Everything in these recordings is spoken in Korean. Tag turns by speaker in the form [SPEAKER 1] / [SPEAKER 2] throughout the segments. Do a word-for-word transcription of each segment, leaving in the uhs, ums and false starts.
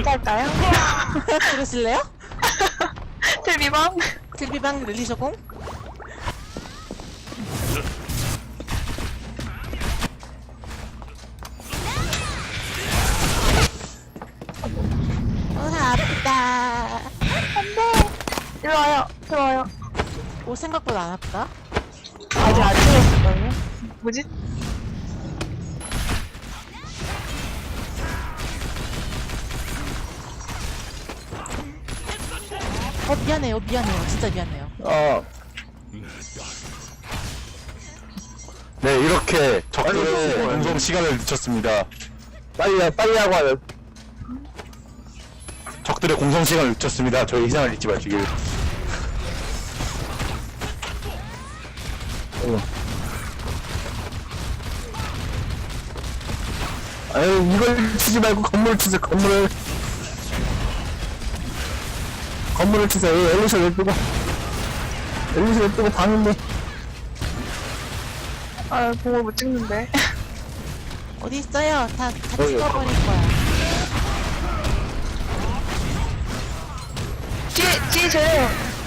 [SPEAKER 1] 갈까요?
[SPEAKER 2] 그러실래요?
[SPEAKER 1] 텔비방?
[SPEAKER 2] 딜비방 릴리셔공? 어, 아프다.
[SPEAKER 1] 안돼. 일로 와요. 들어와요.
[SPEAKER 2] 오, 생각보다 안 아프다.
[SPEAKER 1] 아직 안 찍었을걸요? 뭐지?
[SPEAKER 2] 어, 미안해요, 미안해요. 진짜 미안해요.
[SPEAKER 3] 어. 네, 이렇게 적들의 공성 시간을 늦췄습니다. 빨리, 빨리 하고 하요. 적들의 공성 시간을 늦췄습니다. 저희 희생을 잊지 마시길. 어. 아유, 이걸 치지 말고 건물을 치세요, 건물을. 건물을 치세요. 엘리셔 왜 뜨고. 엘리셔 왜 뜨고 방인데.
[SPEAKER 1] 아, 보고 못 찍는데.
[SPEAKER 2] 어디 있어요? 다, 다
[SPEAKER 3] 여기,
[SPEAKER 2] 찍어버릴 거야.
[SPEAKER 1] 뒤에, 뒤에 쟤요.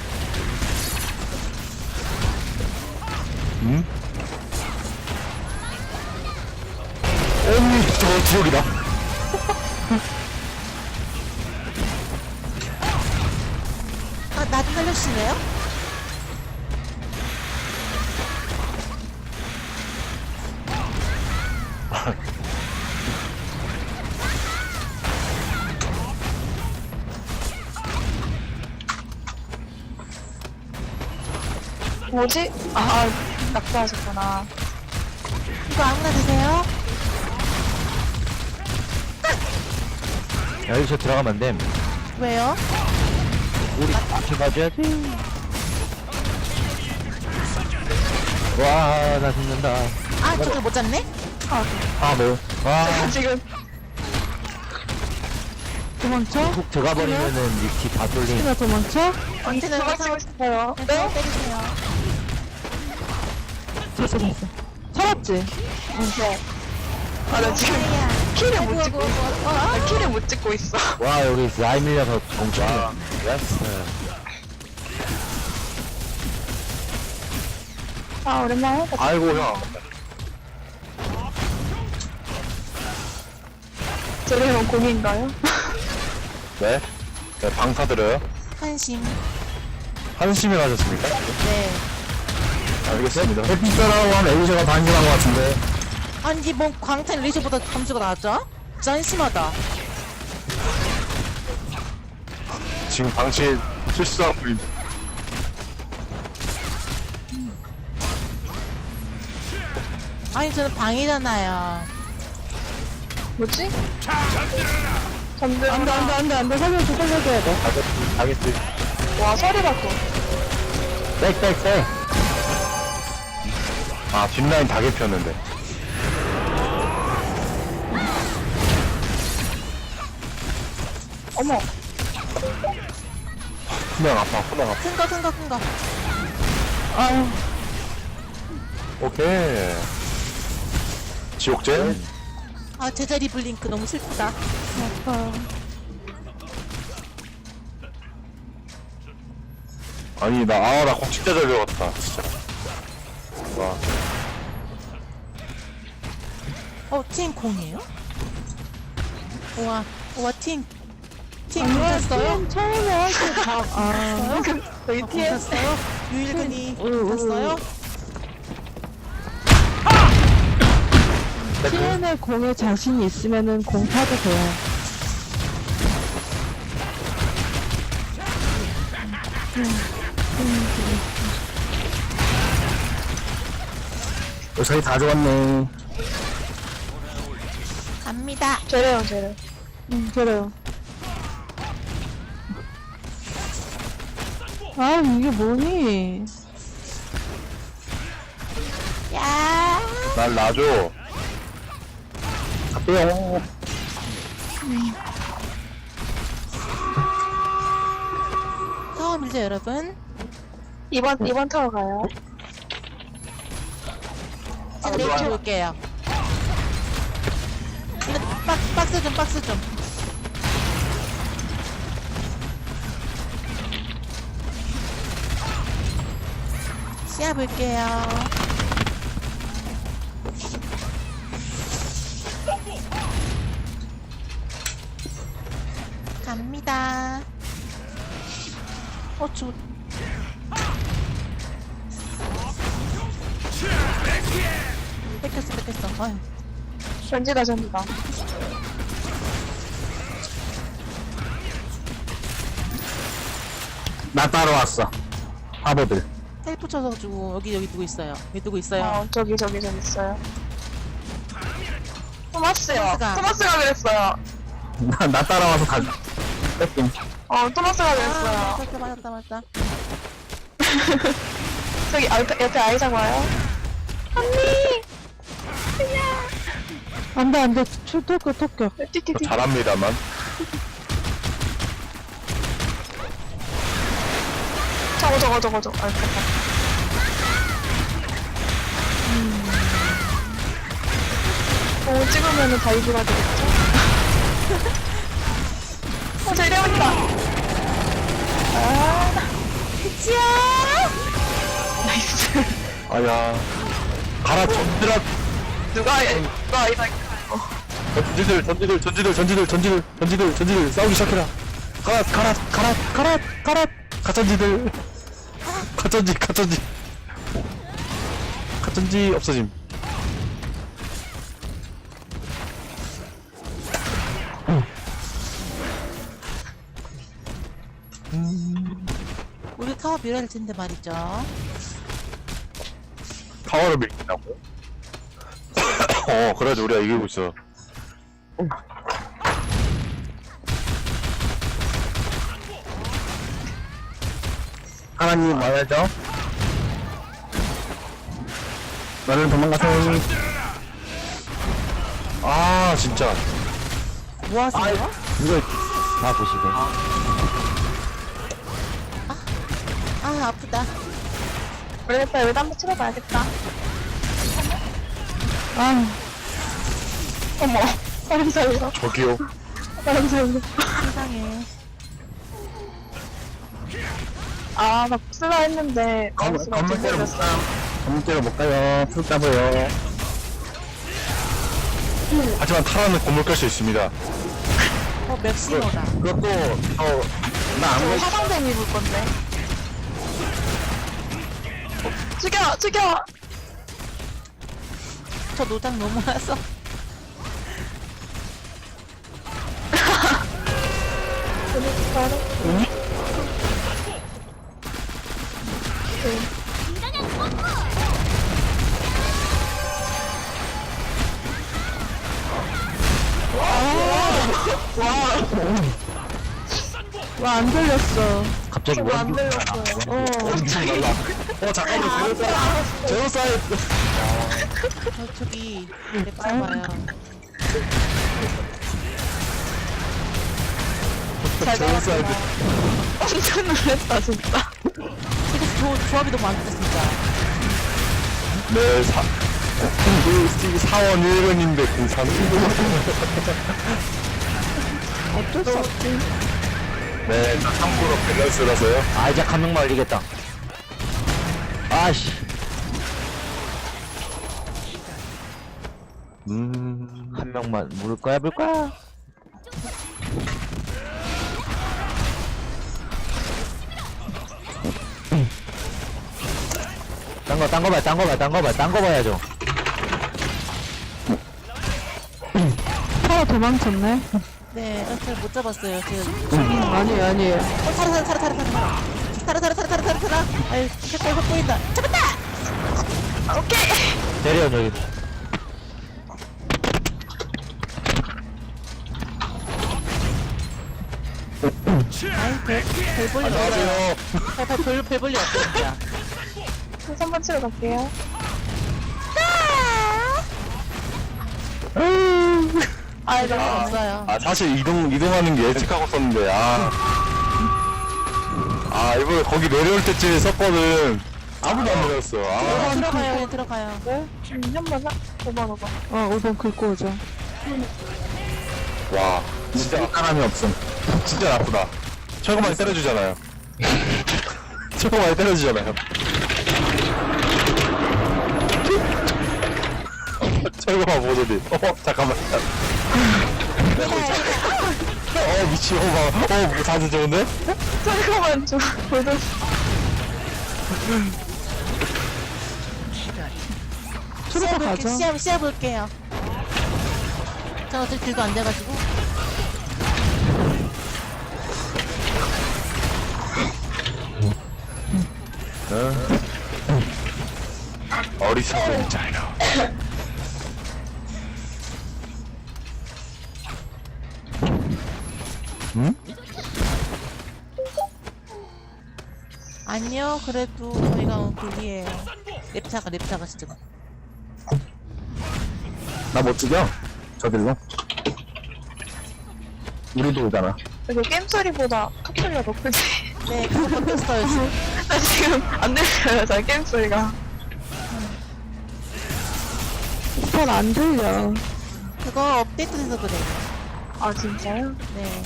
[SPEAKER 3] 응? 어미, 저거 지옥이다.
[SPEAKER 2] 아, 나 좀 살려주실래요?
[SPEAKER 1] 뭐지? 아, 낙사하셨구나.
[SPEAKER 2] 이거 아무나 드세요?
[SPEAKER 4] 여기서 들어가면 안 됨.
[SPEAKER 2] 왜요?
[SPEAKER 4] 우리 같이 가줘야지. 와, 나 죽는다.
[SPEAKER 2] 아, 저걸 못 잡네?
[SPEAKER 4] 아, 뭐. 와,
[SPEAKER 1] 지금.
[SPEAKER 2] 도망쳐?
[SPEAKER 4] 훅 들어가 버리면은 이키 다 쏠림.
[SPEAKER 2] 내가 도망쳐? 언제나
[SPEAKER 1] 도망치고 싶어요.
[SPEAKER 2] 네? 때리세요. 됐어, 됐어. 잡았지?
[SPEAKER 1] 네. 아, 나 지금
[SPEAKER 2] 아야.
[SPEAKER 1] 키를
[SPEAKER 2] 아이고,
[SPEAKER 1] 못 찍고
[SPEAKER 2] 아이고,
[SPEAKER 1] 있어.
[SPEAKER 2] 아이고, 어?
[SPEAKER 1] 나 키를 못 찍고 있어.
[SPEAKER 4] 와, 여기 라인 밀려서 정치네. 예스.
[SPEAKER 1] 아, 오랜만에 하다.
[SPEAKER 3] 아이고, 형.
[SPEAKER 1] 저래면 공인가요?
[SPEAKER 3] 네? 네, 방사드려요?
[SPEAKER 2] 한심.
[SPEAKER 3] 한심히 가셨습니까?
[SPEAKER 2] 네.
[SPEAKER 3] 알겠습니다. 햇빛사라고 하면 엘리셔가 반신한 것 같은데.
[SPEAKER 2] 아니, 뭔 광탄 리시보다 점수가 나왔죠? 진짜 한심하다.
[SPEAKER 3] 지금 방치 실수하고 있
[SPEAKER 2] 아니, 저는 방이잖아요.
[SPEAKER 1] 뭐지? 잠들.
[SPEAKER 2] 안 돼, 안 돼, 안 돼, 안 돼. 살려줘, 살려줘야 돼.
[SPEAKER 3] 알겠지.
[SPEAKER 1] 와, 서리가 또.
[SPEAKER 4] 백, 백, 백.
[SPEAKER 3] 아, 뒷라인 다 개폈는데.
[SPEAKER 1] 어머.
[SPEAKER 3] 후면 아파, 후면 아파.
[SPEAKER 2] 큰 거, 큰 거, 큰 거.
[SPEAKER 1] 아유.
[SPEAKER 3] 오케이. 지옥제?
[SPEAKER 2] 아, 제자리 블링크 너무 슬프다.
[SPEAKER 1] 아파.
[SPEAKER 3] 아니, 나, 아, 나 곡식자 절벽 같다, 진짜. 와.
[SPEAKER 2] 어, 팀 공이에요? 우와, 우와, 팀. 팀 공탔어요?
[SPEAKER 1] 처음에 할때 다, 아. 저희
[SPEAKER 2] 어,
[SPEAKER 1] 티에
[SPEAKER 2] 공탔어요? 유일근이 공탔어요?
[SPEAKER 5] 티엔의 공에 자신이 있으면은 공 타도 돼요.
[SPEAKER 3] 어, 저희 다 좋았네.
[SPEAKER 2] 갑니다.
[SPEAKER 1] 저래요, 저래.
[SPEAKER 5] 응, 그래요. 아, 이게 뭐니?
[SPEAKER 2] 야,
[SPEAKER 3] 날 놔줘. 뿅.
[SPEAKER 2] 처음이죠, 여러분?
[SPEAKER 1] 이번, 이번 타워 가요.
[SPEAKER 2] 제가 내일 올게요. 근데 박, 박스 좀, 박스 좀. 시야 볼게요. 갑니다. 어, 저. 뺏겼어, 뺏겼어. 아유.
[SPEAKER 1] 전지다, 전지다.
[SPEAKER 3] 나 따라왔어. 바보들.
[SPEAKER 2] 텔 붙여가지고 여기 여기 누구 있어요? 여기 누구 있어요?
[SPEAKER 1] 어, 저기, 저기, 저기 있어요. 토마스요.
[SPEAKER 2] 토마스가.
[SPEAKER 1] 토마스가 그랬어요.
[SPEAKER 3] 나, 나 따라와서 다 뺏김.
[SPEAKER 1] 어, 토마스가
[SPEAKER 2] 아,
[SPEAKER 1] 그랬어요.
[SPEAKER 2] 맞다, 맞다, 맞다.
[SPEAKER 1] 저기, 아, 옆에, 옆에 아이작 와요. 언니!
[SPEAKER 5] 안 돼, 안 돼. 출토크, 토크.
[SPEAKER 1] 띠띠띠.
[SPEAKER 3] 잘합니다만.
[SPEAKER 1] 저거, 저거, 저거, 저거. 아, 됐다. 음. 오, 찍으면은 다이브가 되겠죠? 어, 저 이래버린다. 아, 그치야! 나이스.
[SPEAKER 3] 아야. 가라, 전지라.
[SPEAKER 1] 누가, 누가 아이작.
[SPEAKER 3] 전지들, 전지들, 전지들, 전지들, 전지들, 전지들, 전지들, 싸우기 시작해라. 가라, 가라, 가라, 가라, 가라. 가천지들. 가천지, 가천지. 가천지 없어짐.
[SPEAKER 2] 우리 타워 밀어야 될 텐데 말이죠.
[SPEAKER 3] 타워를 밀긴다고? 어, 그래도 우리가 이기고 있어. 하나님 와야죠. 나는 도망가세요. 아, 진짜.
[SPEAKER 2] 뭐 하세요?
[SPEAKER 4] 이거 다 보시게.
[SPEAKER 2] 아, 아프다.
[SPEAKER 1] 모르겠다. 여기다 한번 치러봐야겠다.
[SPEAKER 5] 아,
[SPEAKER 1] 어머. 사람 살려.
[SPEAKER 3] 저기요.
[SPEAKER 1] 사람 살려.
[SPEAKER 2] 세상에.
[SPEAKER 1] 아, 나 복수라 했는데.
[SPEAKER 3] 건-
[SPEAKER 1] 마우스가
[SPEAKER 3] 건물 때려
[SPEAKER 1] 찢어졌어요.
[SPEAKER 3] 건물 때려 못 가요. 푹 잡아요. 하지만 타라는 건물 깔 수 있습니다.
[SPEAKER 2] 어, 맥시머다.
[SPEAKER 3] 그것도, 저, 나
[SPEAKER 1] 저
[SPEAKER 3] 아무리
[SPEAKER 1] 화방댕 입을 건데. 죽여! 죽여!
[SPEAKER 2] 저 노장 너무 와서.
[SPEAKER 5] 와, 안 들렸어.
[SPEAKER 4] 갑자기
[SPEAKER 1] 저거 안
[SPEAKER 4] 원
[SPEAKER 1] 들렸어요.
[SPEAKER 5] 어,
[SPEAKER 3] 엄청 달라. 어, 잠깐만, 제로사이드. 제로사이드.
[SPEAKER 2] 저, 저기, 맥시머요.
[SPEAKER 3] 제로사이드.
[SPEAKER 1] 엄청 놀랬다, 진짜.
[SPEAKER 2] 되게 조, 조합이 너무 안 좋다, 진짜.
[SPEAKER 3] 네, 사, 그, 스티브 사원 일 번인데, 그 삼.
[SPEAKER 5] 어쩔 수 없지.
[SPEAKER 3] 네, 나 참고로 밸런스라서요.
[SPEAKER 4] 아, 이제 한 명만 올리겠다. 아씨.
[SPEAKER 3] 음.
[SPEAKER 4] 한 명만 물을 거야, 물 거야. 딴 거, 딴 거 봐, 딴 거 봐, 딴 거 봐, 딴 거 봐야죠.
[SPEAKER 5] 타워 도망쳤네.
[SPEAKER 2] 네, 어, 잘 못 잡았어요. 제가.
[SPEAKER 5] 음, 아니에요, 아니에요.
[SPEAKER 2] 어, 타라, 타라, 타라, 타라, 타라, 타라. 타라, 타라, 타라, 타라, 타라, 타라. 아유, 색깔 확 보인다. 잡았다!
[SPEAKER 1] 오케이!
[SPEAKER 4] 때려, 저기.
[SPEAKER 2] 아이, 별, 별 볼일 없어요.
[SPEAKER 3] 안녕하세요.
[SPEAKER 2] 별, 별, 별, 별 볼일 없어요, 진짜.
[SPEAKER 1] 삼 번 치러 갈게요.
[SPEAKER 2] 아, 이거 없어요.
[SPEAKER 3] 아, 사실 이동, 이동하는 게 예측하고 썼는데, 아. 아, 이번에 거기 내려올 때쯤에 썼거든. 아무도 안 내렸어. 아.
[SPEAKER 2] 들어가요, 그냥 들어가요.
[SPEAKER 1] 네? 음, 한번 사? 오번, 오번.
[SPEAKER 5] 어, 오 번 긁고 오죠.
[SPEAKER 3] 와, 진짜 사람이 없음. 진짜 나쁘다. 철거 많이 때려주잖아요. 철거 많이 때려주잖아요. 철거만 보더니. 어, 잠깐만. 어, 미치, 어, 막, 어, 뭐 자세 좋은데?
[SPEAKER 1] 잠깐만 좀 보자.
[SPEAKER 5] 트루퍼 가죠.
[SPEAKER 2] 시야, 시야 볼게요. 저 어차피 딜도 안 돼가지고.
[SPEAKER 3] 어리석은 자요.
[SPEAKER 2] 아니요, 그래도 저희가 불리해요. 랩차가, 랩차가 진짜.
[SPEAKER 3] 나 못 죽여? 저들로? 우리도 오잖아.
[SPEAKER 1] 이거 게임 소리보다 톡 소리가 더 크지.
[SPEAKER 2] 네, 그거 바뀌었어요, 지금.
[SPEAKER 1] 나 지금 안 들려요, 잘 게임 소리가.
[SPEAKER 5] 잘 안 들려.
[SPEAKER 2] 그거 업데이트돼서 그래요.
[SPEAKER 1] 아 진짜요?
[SPEAKER 2] 네.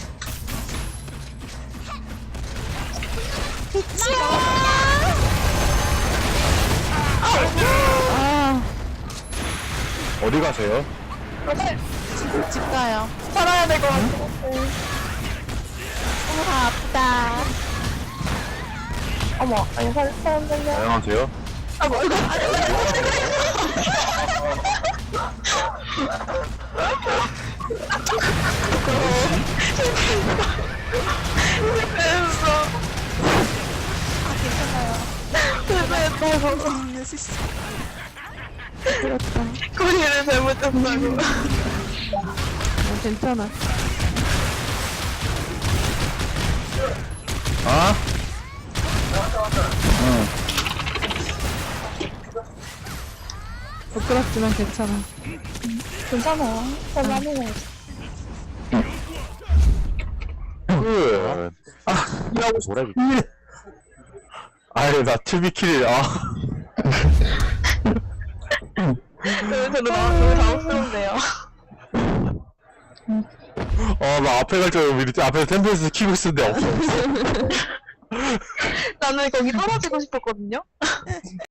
[SPEAKER 5] 아,
[SPEAKER 3] 어디 가세요?
[SPEAKER 2] 집, 집 가요.
[SPEAKER 1] 살아야 될 것 같아.
[SPEAKER 2] 아, 아프다.
[SPEAKER 1] 어머, 아니 살 사람 살려.
[SPEAKER 3] 안녕하세요.
[SPEAKER 1] 아 뭐 이거 됐어.
[SPEAKER 2] 아, 괜찮아요.
[SPEAKER 1] 됐어, 됐어.
[SPEAKER 2] 있는 수 있어.
[SPEAKER 5] 그렇다.
[SPEAKER 1] 꼬리를 잘못했다고.
[SPEAKER 5] 어, 괜찮아.
[SPEAKER 3] 아?
[SPEAKER 5] 부끄럽지만 괜찮아.
[SPEAKER 1] 괜찮아. 잘하네.
[SPEAKER 3] 그, 아, 이라고
[SPEAKER 4] 뭐래?
[SPEAKER 3] 아니, 나 투비킬, 아.
[SPEAKER 1] 저도 너무 너무 당황스러운데요.
[SPEAKER 3] 어, 나 앞에 갈 줄 알고 미리 앞에 템플에서 키고 있었는데 없어.
[SPEAKER 1] 나는 거기 떨어지고 싶었거든요.